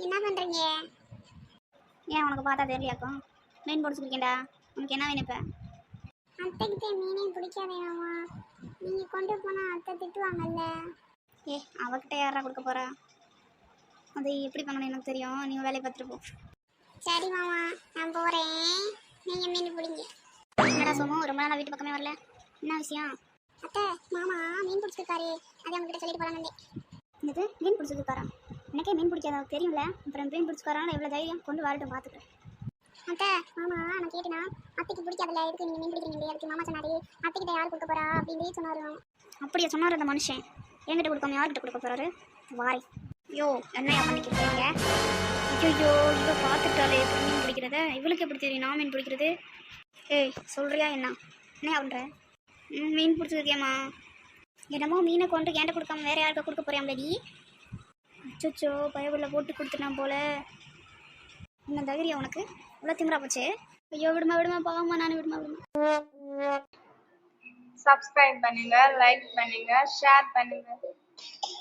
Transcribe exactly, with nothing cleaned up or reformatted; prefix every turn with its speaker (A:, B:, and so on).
A: என்ன பண்றீங்க?
B: ஏன் உனக்கு பார்த்தா தெரியலையாக்கும்? மீன் பிடிச்சிருக்கேன்டா. உனக்கு என்ன வேணும் இப்போ?
A: அத்தைக்கிட்ட மீனே பிடிக்காதே மாமா. நீங்க கொண்டு போனா அத்தை திட்டுவாங்கல்ல.
B: ஏ அவகிட்ட யாரா கொடுக்க போறா? அது எப்படி பண்ணணும் எனக்கு தெரியும். நீ வேலையை பார்த்துட்டு போ.
A: சரி மாமா, நான் போறேன். நீங்க மீன் பிடிங்க.
B: என்னடா சோமு, ரொம்ப நாளா வீட்டு பக்கமே வரல, என்ன விஷயம்?
A: அத்தை, மாமா மீன் பிடிச்சிருக்காரு. அதை உங்ககிட்ட சொல்லிட்டு போலான்னு.
B: என்னது மீன் பிடிச்சிருக்காரா? எனக்கே மீன் பிடிக்காத தெரியும்ல. அப்புறம் மீன் பிடிச்சிக்காரான்னு எவ்வளோ தைரியம், கொண்டு வரட்டும் பார்த்துக்கிறேன்.
A: அத்தை, மாமா நான் கேட்டேனா அத்தைக்கு பிடிக்காதுல்ல, எதுக்கு நீங்க மீன் பிடிக்கிறீங்க? அதுக்கு மாமா சொன்னாரு அத்தைக்கிட்ட யார் கொடுக்க போறா அப்படின்னு சொன்னாரு.
B: அப்படியே சொன்னார் அந்த மனுஷன். என்கிட்ட கொடுக்காம யார்கிட்ட கொடுக்க போறாரு? வாரை. ஐயோ என்னையா பண்ணிக்கிறீங்க? ஐயோ இவ பார்த்துட்டாலே எப்படி மீன் பிடிக்கிறத? இவளுக்கு எப்படி தெரியும் நான் மீன் பிடிக்கிறது? ஏய் சொல்றியா என்ன? என்ன பண்ற? ம் மீன் பிடிச்சிருக்கியம்மா. என்னமோ மீனை கொண்டு கேண்ட கொடுக்காம வேற யாருக்கா கொடுக்க போறியாம்லடி? அச்சோ பயவுள்ள போட்டு கொடுத்துட்டான் போல. இன்னும் தைரியம் உனக்கு? இவ்வளோ திமிரா போச்சு. ஐயோ விடுமா விடுமா பாவமா, நான் விடுமா விடுமா.
C: சப்ஸ்கிரைப் பண்ணுங்க, லைக் பண்ணுங்க, ஷேர் பண்ணுங்க.